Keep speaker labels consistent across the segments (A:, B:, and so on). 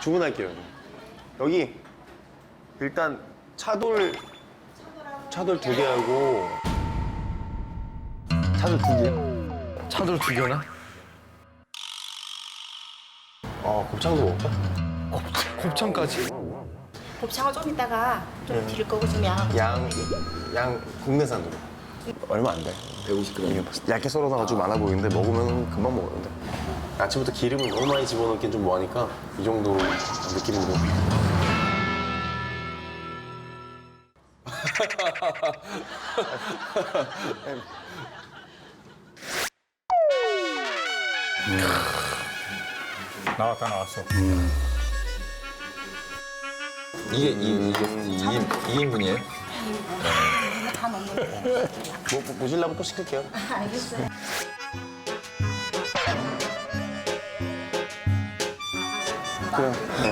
A: 주문할게요. 여기 일단 차돌 2개하고
B: 차돌 2개? 차돌 2개나?
A: 곱창도 먹을까?
B: 곱창까지?
C: 곱창을 좀 이따가 좀 드릴 거고 좀 양하고.
A: 양 국내산으로. 얼마 안 돼.
B: 150g.
A: 얇게 썰어놔가지고 많아 보이는데 먹으면 금방 먹었는데. 아침부터 기름을 너무 많이 집어넣긴 좀 뭐하니까 이 정도 느낌으로.
D: 나왔어.
B: 이게 2인분이에요?
C: 다 먹는 거.
A: 보실라면 또 시킬게요.
C: 알겠어요.
A: 그래.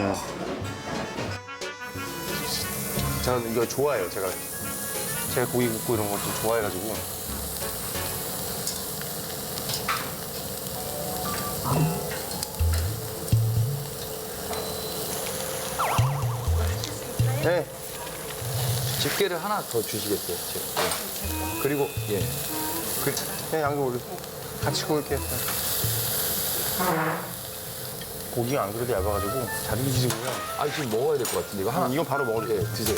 A: 저는 이거 좋아해요. 제가 고기 굽고 이런 것도 좋아해가지고. 네.
B: 집게를 하나 더 주시겠어요? 네. 그리고 예.
A: 그냥 양도 올려. 같이 구울게요. 고기가 안 그래도 얇아가지고 잘 익히시고요.
B: 아 지금 먹어야 될 것 같은데 이거 하나.
A: 이거 바로 먹을게요.
B: 예, 드세요.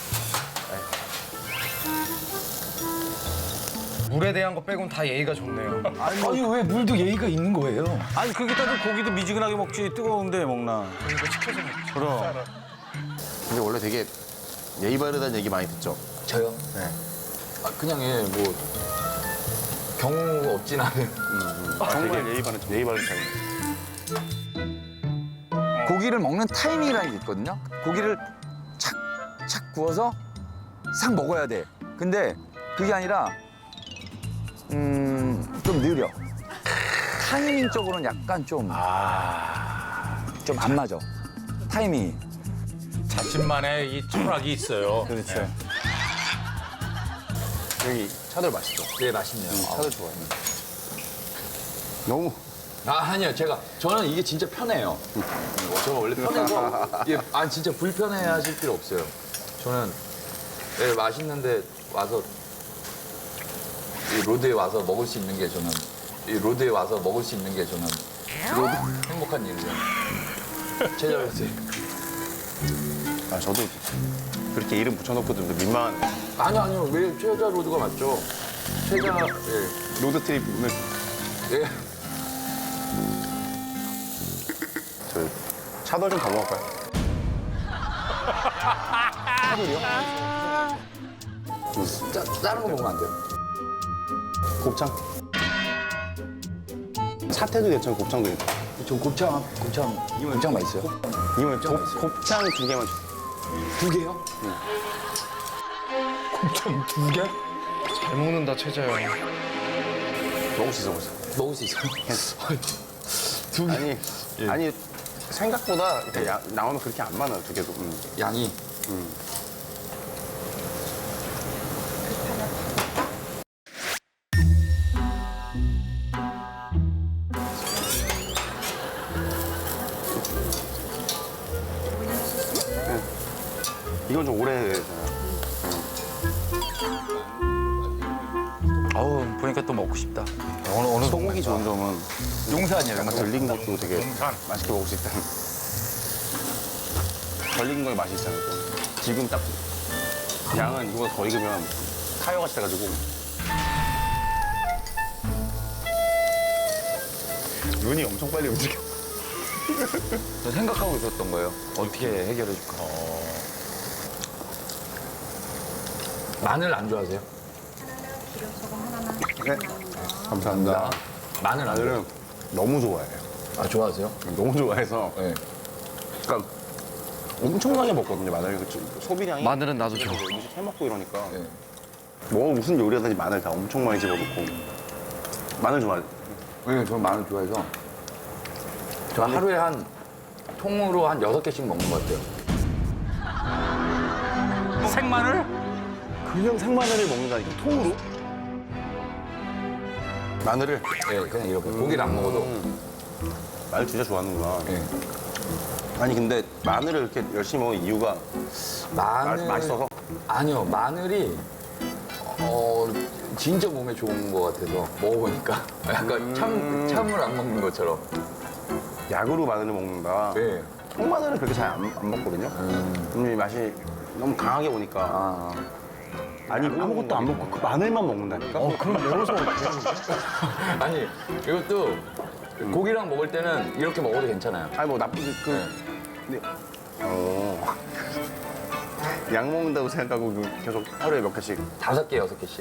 E: 물에 대한 거 빼곤 다 예의가 좋네요.
B: 아니 왜 물도 예의가 있는 거예요?
D: 아니 그렇게 따지면 고기도 미지근하게 먹지 뜨거운데 먹나.
A: 그럼. 근데 원래 되게 예의 바르다는 얘기 많이 듣죠?
B: 저요?
A: 네.
B: 아 그냥 예 뭐 경우 없진 않은.
A: 정말 예의 바른 타입.
F: 고기를 먹는 타이밍이라는 게 있거든요. 고기를 착착 구워서 싹 먹어야 돼. 근데 그게 아니라 좀 느려. 타이밍적으로는 약간 좀 안 맞아. 타이밍이.
D: 자신만의 이 철학이 있어요.
A: 그렇죠. 여기 차돌 맛있죠?
B: 예 맛있네요.
A: 차돌 좋아해요. 너무.
B: 아니요 저는 이게 진짜 편해요. 저는 원래 편해서 예, 진짜 불편해하실 필요 없어요. 저는 예, 맛있는데 와서 이 로드에 와서 먹을 수 있는 게 저는 행복한 일이죠. 최저였어요.
A: 저도 그렇게 이름 붙여놓고 좀 민망하네.
B: 아니요 왜 최저 로드가 맞죠? 최저 예.
A: 로드 트립을.
B: 예.
A: 저 차돌 좀 더 먹을까요? 차돌이요?
B: 다른 거 먹으면 안 돼요.
A: 곱창? 사태도 괜찮고 곱창도 괜찮고.
B: 저 곱창 맛있어요.
A: 이거는 곱창 2개만 주세요.
B: 2개요?
E: 곱창 2개? 잘 먹는다, 최자야.
A: 먹을 수 있어.
B: 먹을 수 있어요.
A: 아니 생각보다 이렇게 나오면 그렇게 안 많아요, 2개도.
B: 양이.
A: 이건 좀 오래되잖아요.
F: 어우 보니까 또 먹고 싶다.
A: 소고기 좋은 점은
F: 용산이에요.
A: 약간 덜 익은 것도 되게
D: 용산.
A: 맛있게 먹을 수 있다는. 덜 익은 거에 맛이 있잖아요. 또. 지금 딱 양은 이거보다 더 익으면 타이어같이 돼가지고. 눈이 엄청 빨리 움직여.
F: 저 생각하고 있었던 거예요. 어떻게 해결해 줄까?
B: 마늘 안 좋아하세요?
C: 기름 소금 하나만.
A: 네. 감사합니다.
B: 마늘 안 좋아해요?
A: 마늘은 너무 좋아해요.
B: 아 좋아하세요?
A: 너무 좋아해서.
B: 네.
A: 그러니까 엄청나게 먹거든요, 마늘. 소비량이.
E: 마늘은 나도 좋아.
A: 음식 해먹고 이러니까.
B: 네.
A: 뭐 무슨 요리하든지 마늘 다 엄청 많이 집어넣고. 마늘 좋아해요.
B: 네, 저는 마늘 좋아해서 저 하루에 한 통으로 한 6개씩 먹는 것 같아요.
D: 생마늘?
A: 그냥 생마늘을 먹는다니까, 통으로? 마늘을?
B: 네, 그냥 이렇게 고기를 안 먹어도.
A: 마늘 진짜 좋아하는구나.
B: 네.
A: 아니 근데 마늘을 이렇게 열심히 먹는 이유가 맛있어서?
B: 아니요, 마늘이 진짜 몸에 좋은 것 같아서 먹어보니까 약간 참을 안 먹는 것처럼.
A: 약으로 마늘을 먹는다.
B: 네.
A: 통마늘은 그렇게 잘 안 먹거든요. 이 맛이 너무 강하게 오니까. 아니 아무것도 안 먹고 그 마늘만 먹는다니까?
E: 그럼 매워서
B: 아니 이것도 고기랑 먹을 때는 이렇게 먹어도 괜찮아요.
A: 아니 뭐 나쁘지 근데 약 먹는다고 생각하고 계속 하루에 몇 개씩
B: 5개, 6개씩.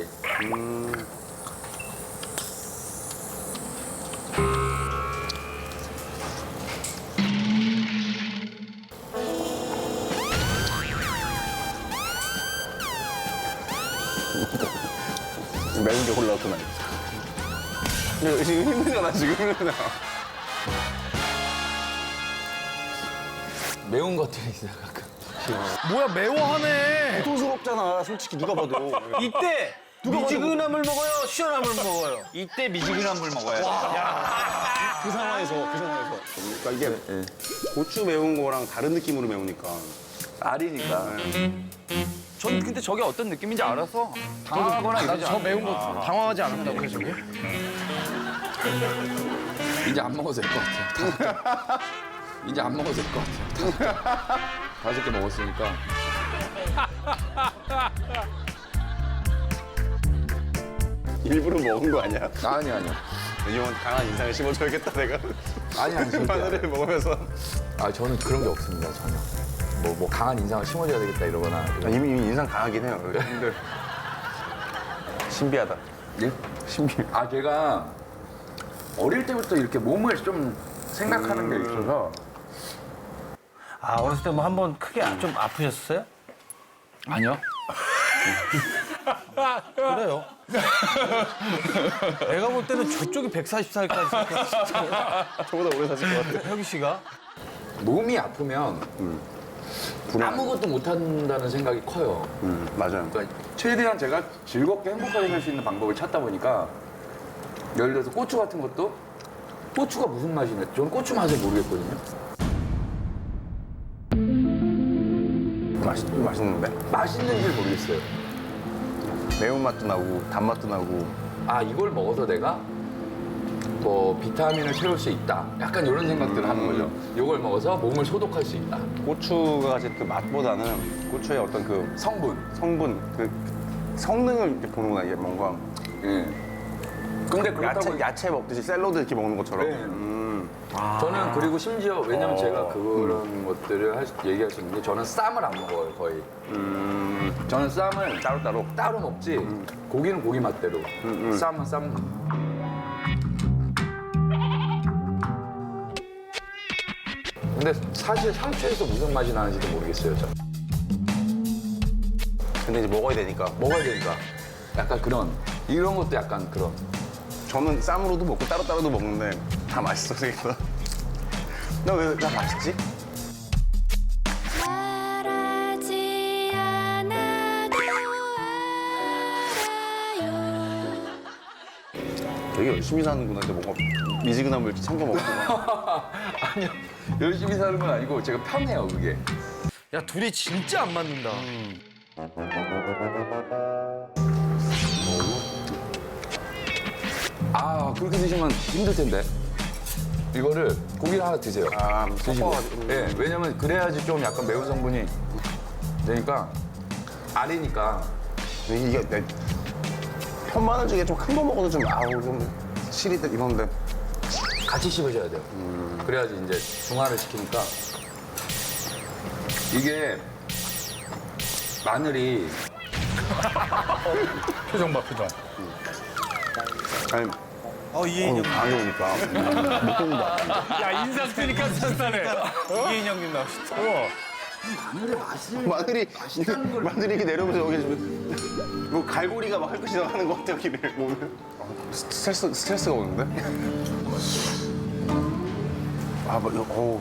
A: 매운 게 올라왔구나. 지금 힘들잖아 지금 힘들잖아.
B: 매운 것들이 있어요, 가끔.
E: 뭐야 매워하네.
A: 고통스럽잖아 솔직히 누가 봐도.
D: 이때 미지근함을 먹어요, 시원함을 먹어요. 이때 미지근함을 먹어야 돼.
A: 그 상황에서. 그러니까 이게 고추 매운 거랑 다른 느낌으로 매우니까.
F: 알이니까. 저는 근데 저게 어떤 느낌인지 알아서 당하거나 이러지
E: 저
F: 않아요.
E: 매운 거 당황하지 않았다고 해서 저게?
B: 이제 안 먹어도 될 것 같아요. 이제 안 먹어도 될 것 같아요. 5개 먹었으니까.
A: 일부러 먹은 거 아니야?
B: 아니요.
A: 이형은 강한 인상을 심어줘야겠다 내가.
B: 아니, 절대 안
A: 마늘을 먹으면서.
B: 아, 저는 그런 게 없습니다, 전혀. 뭐 강한 인상을 심어줘야 되겠다 이러거나.
A: 이미 인상 강하긴 해요. 근데 신비하다.
B: 예?
A: 신비.
B: 아, 제가 어릴 때부터 이렇게 몸을 좀 생각하는 게 있어서.
D: 아, 어렸을 때 뭐 한 번 크게 좀 아프셨어요?
B: 아니요.
D: 그래요. 내가 볼 때는 저쪽이 140살까지
A: 저보다 오래 사실 것 같아.
D: 혁이 씨가.
B: 몸이 아프면 아무것도 못한다는 생각이 커요.
A: 맞아요.
B: 그러니까 최대한 제가 즐겁게 행복하게 살 수 있는 방법을 찾다 보니까 예를 들어서 고추 같은 것도 고추가 무슨 맛이냐. 저는 고추 맛을 모르겠거든요.
A: 맛있는데?
B: 맛있는지 모르겠어요.
A: 매운맛도 나고 단맛도 나고.
B: 아, 이걸 먹어서 내가 뭐 비타민을 채울 수 있다. 약간 이런 생각들을 하는 거죠. 이걸 먹어서 몸을 소독할 수 있다.
A: 고추가 사실 그 맛보다는 고추의 어떤 그
B: 성분.
A: 그 성능을 이렇게 보는구나 이게 뭔가.
B: 예. 근데 그렇다고
A: 야채 먹듯이 샐러드 이렇게 먹는 것처럼.
B: 네. 저는 그리고 심지어 왜냐면 제가 그런 것들을 얘기할 수 있는 게 저는 쌈을 안 먹어요 거의. 저는 쌈을 따로 먹지. 고기는 고기 맛대로. 쌈은 쌈. 근데 사실 상추에서 무슨 맛이 나는지도 모르겠어요. 저.
A: 근데 이제 먹어야 되니까.
B: 먹어야 되니까. 약간 그런 이런 것도 약간 그런.
A: 저는 쌈으로도 먹고 따로따로도 먹는데 다 맛있어 생각보다. 나 왜 다 맛있지?
G: 말하지 않아도 알아요.
A: 되게 열심히 사는구나. 이제 뭔가 미지근함을 이렇게 챙겨 먹구나.
B: 아니요. 열심히 사는 건 아니고 제가 편해요 그게.
E: 야 둘이 진짜 안 맞는다.
B: 아, 그렇게 드시면 힘들 텐데. 이거를 고기를 하나 드세요.
A: 아,
B: 드시고.
A: 섞어가지고.
B: 예, 왜냐면 그래야지 좀 약간 매운 성분이 되니까 알이니까.
A: 이게 내 편마늘 중에 좀 큰 거 먹어도 좀 아우 좀 실이 이런데.
B: 같이 씹으셔야 돼요. 그래야지 이제 중화를 시키니까. 이게 마늘이
E: 표정 봐 표정.
A: 아니
D: 이인영.
A: 안 좋으니까 못 먹는다.
E: 야 인상 쓰니까 stan하네.
D: 이인영님 나오시죠.
A: 마늘이 이렇게 내려오면서 여기 지금 뭐 갈고리가 막 핥고 지나가는 것 같아 여기를 보면. 스트레스가 오는데? 아, 뭐, 어우.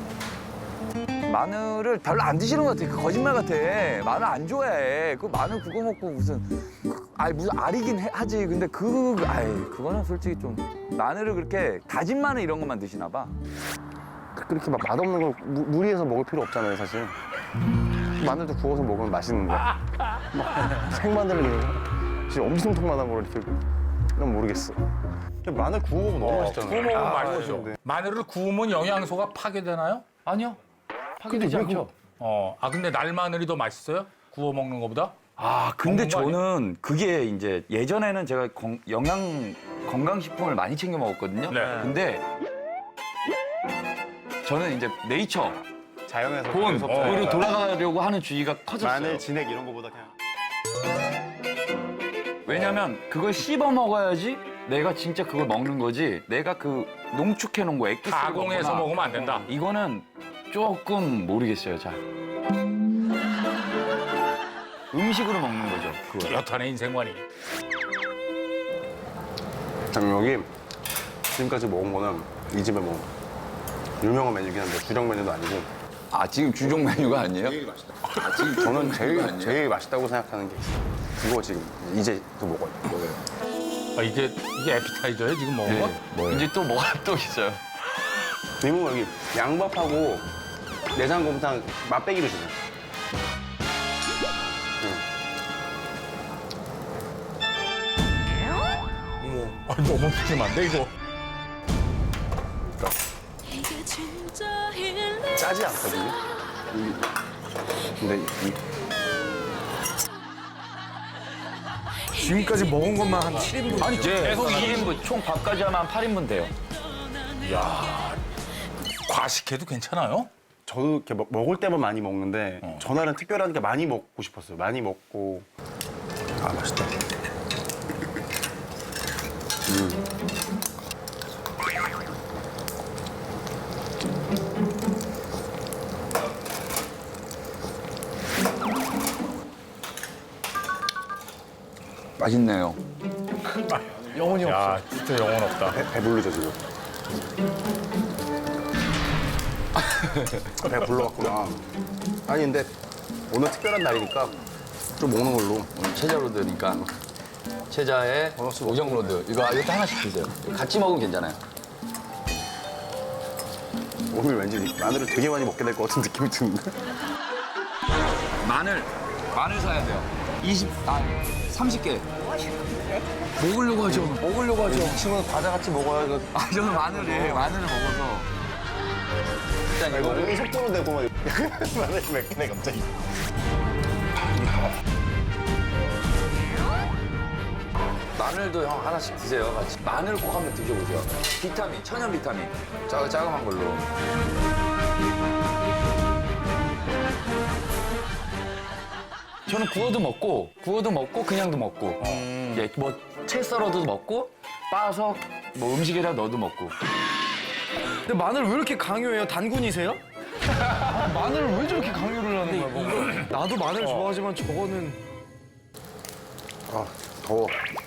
F: 마늘을 별로 안 드시는 것 같아. 그 거짓말 같아. 마늘 안 좋아해. 그 마늘 그거 먹고 무슨 무슨 알이긴 하지. 근데 그거는 솔직히 좀 마늘을 그렇게 다진 마늘 이런 것만 드시나 봐.
A: 그렇게 막 맛없는 걸 무리해서 먹을 필요 없잖아요, 사실. 마늘도 구워서 먹으면 맛있는데. 막 생마늘을 그냥 진짜 엄청통만한 걸 이렇게 난 모르겠어. 마늘 구워 먹으면 너무 맛있잖아요.
H: 구워 먹으면 맛있죠.
A: 맛있는데.
H: 마늘을 구우면 영양소가 파괴되나요?
F: 아니요. 파괴되지 않죠.
H: 근데 날마늘이 더 맛있어요? 구워 먹는 것보다?
F: 아, 근데
H: 먹는 거 아니야?
F: 저는 그게 이제 예전에는 제가 건강식품을 많이 챙겨 먹었거든요.
H: 네.
F: 근데 저는 이제 네이처,
A: 자연에서
F: 본으로 돌아가려고 하는 주의가 커졌어요.
A: 마늘, 진액 이런 거보다 그냥.
F: 왜냐면 그걸 씹어 먹어야지 내가 진짜 그걸 먹는 거지. 내가 그 농축해 놓은 거 액기스
H: 가공해서 먹으면 안 된다.
F: 이거는 조금 모르겠어요. 자. 음식으로 먹는 거죠. 그거.
H: 여탄의 인생관이.
A: 여기 지금까지 먹은 거는 이 집에 뭐 유명한 메뉴긴 한데 주력 메뉴도 아니고
B: 아, 지금 주종 메뉴가 아니에요?
A: 저는 제일 맛있다고 생각하는 게 있어요. 그거 지금 이제 또 먹어요.
H: 이게 에피타이저예요, 지금 먹은 거?
B: 뭐예요?
F: 이제 또 뭐가 또 있어요.
A: 이모 여기 양밥하고 내장곰탕 맛배기로 주세요.
H: 너무 푸짐한데, 이거?
G: 이게 진짜 일리
A: 짜지 않거든요. 근데
E: 지금까지 먹은 것만 한 7인분.
F: 아니, 계속 2인분, 총 밥까지 하면 한 8인분 돼요.
H: 과식해도 괜찮아요?
A: 저도 이렇게 먹을 때만 많이 먹는데 전날은 특별하니까 많이 먹고 싶었어요. 많이 먹고 아 맛있다.
F: 맛있네요.
E: 영혼이 없어.
H: 야, 진짜 영혼 없다.
A: 배부르죠 지금. 배불러갖구나. 아니 근데 오늘 특별한 날이니까 좀 먹는 걸로.
B: 오늘 체자로드니까. 체자에 오정로드. 이것도 하나씩 드세요. 같이 먹으면 괜찮아요.
A: 오늘 왠지 마늘을 되게 많이 먹게 될 것 같은 느낌이 드는데.
F: 마늘 사야 돼요. 30개. 먹으려고 하죠. 먹으려고 하죠.
A: 이 친구는 과자 같이 먹어야 이거.
F: 아, 저는 마늘을 먹어서.
A: 일단 이거 몸이 속도로 되고 막 마늘 몇 개네 갑자기.
B: 마늘도 형 하나씩 드세요, 같이. 마늘 꼭 한번 드셔보세요. 비타민, 천연 비타민. 짜금한 걸로.
F: 저는 구워도 먹고 그냥도 먹고. 예, 뭐채 썰어도 먹고 빻아서 뭐 음식에다 넣어도 먹고.
E: 근데 마늘 왜 이렇게 강요해요? 단군이세요? 마늘을 왜 저렇게 강요를 하는 거야? 뭔가? 나도 마늘 좋아하지만 저거는
A: 아 더워.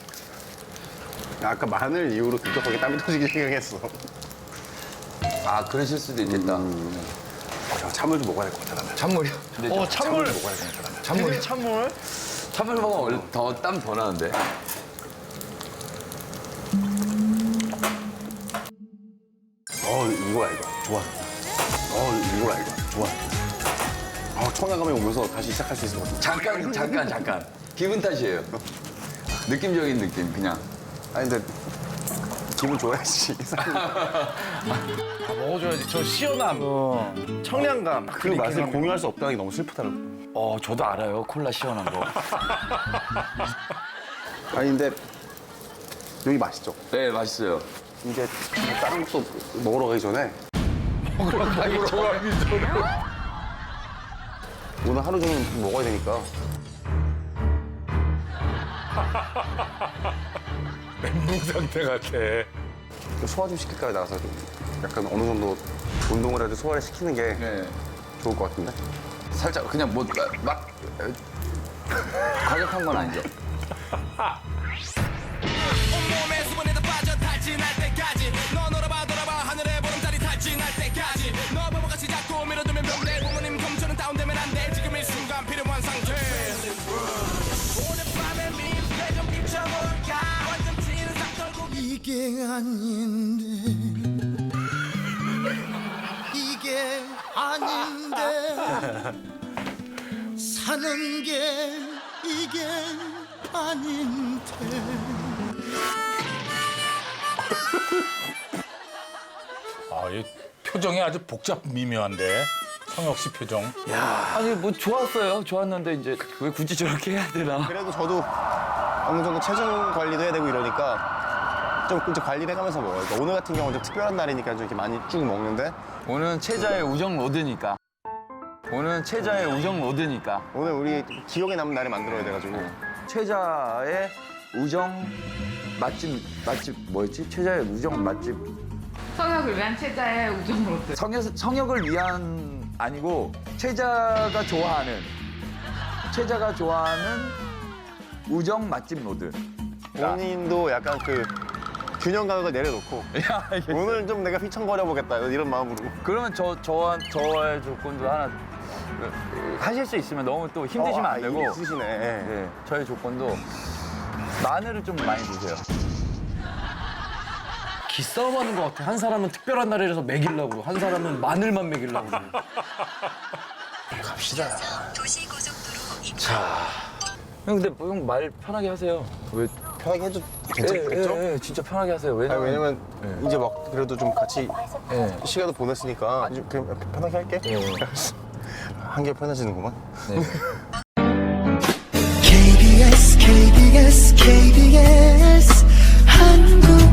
A: 아까 마늘 이후로 급격하게 땀이 터지기 시작했어.
B: 아, 그러실 수도 있겠다.
A: 참을 좀 먹어야 될 것 같아 나는.
B: 찬물이요?
E: 찬물
A: 먹어야 될 것 같아 나는.
E: 찬물 찬물
B: 찬물 먹으면 땀 더 나는데.
A: 이거야 이거. 좋아. 이거야 이거. 좋아. 청량감이 오면서 다시 시작할 수 있을 것 같아.
B: 잠깐. 기분 탓이에요. 느낌적인 느낌, 그냥.
A: 아니 근데 기분 좋아야지.
E: 먹어줘야지. 저 시원함, 청량감
A: 그 맛을 공유할 수 없다는 게 너무 슬프더라고.
F: 저도 알아요. 콜라 시원한 거.
A: 아니 근데 여기 맛있죠?
B: 네, 맛있어요.
A: 이제 다른 것도 먹으러 가기 전에 오늘 하루 종일 먹어야 되니까
H: 멘붕 상태 같아.
A: 소화 좀 시킬까요? 나가서 좀 약간 어느 정도 운동을 해도 소화를 시키는 게
B: 네.
A: 좋을 것 같은데?
B: 살짝 그냥 막 과격한 건 아니죠.
I: 온몸에 수분에도 빠져 탈진할 때까지 너 놀아봐 돌아봐 하늘에 보름달이 탈진할 때까지 너 바보같이 자꾸 밀어두면 병돼 부모님 검초는 다운되면 안돼 지금 이 순간 필요한 상태 오늘 밤에 민폐 좀 비춰볼까 완전 찌는 상 떨고 이게 아닌데 이게 사는 게 이게 아닌데.
H: 아, 이 표정이 아주 복잡 미묘한데. 성혁 씨 표정.
F: 아니 뭐 좋았어요. 좋았는데 이제 왜 굳이 저렇게 해야 되나?
A: 그래도 저도 어느 정도 체중 관리도 해야 되고 이러니까 좀 이제 관리를 해가면서 먹어요. 그러니까 오늘 같은 경우는 좀 특별한 날이니까 좀 이렇게 많이 쭉 먹는데
F: 오늘은 체자의 우정 로드니까. 오늘은 체자의 우정 로드니까.
A: 오늘 우리 기억에 남는 날을 만들어야 돼가지고
B: 최자의 우정 맛집 뭐였지? 최자의 우정 맛집.
J: 성역을 위한 체자의 우정 로드.
B: 성역을 위한 아니고 최자가 좋아하는 우정 맛집 로드.
A: 본인도 약간 그 균형 감각을 내려놓고 오늘 좀 내가 휘청거려 보겠다 이런 마음으로.
F: 그러면 저의 조건도 하나 하실 수 있으면 너무 또 힘드시면 안 되고.
A: 있으시네.
F: 네, 저희 조건도 마늘을 좀 많이 드세요.
E: 기싸움 하는 것 같아. 한 사람은 특별한 날이라서 먹이려고, 한 사람은 마늘만 먹이려고.
A: 갑시다.
F: 형 근데 형 말 편하게 하세요. 왜?
A: 편하게 해도 괜찮겠죠?
F: 예, 진짜 편하게 하세요.
A: 왜냐면 이제 막 그래도 좀 같이
F: 예.
A: 시간도 보냈으니까 좀 그냥 편하게 할게. 한결 편해지는구만.
I: KBS KBS KBS 한국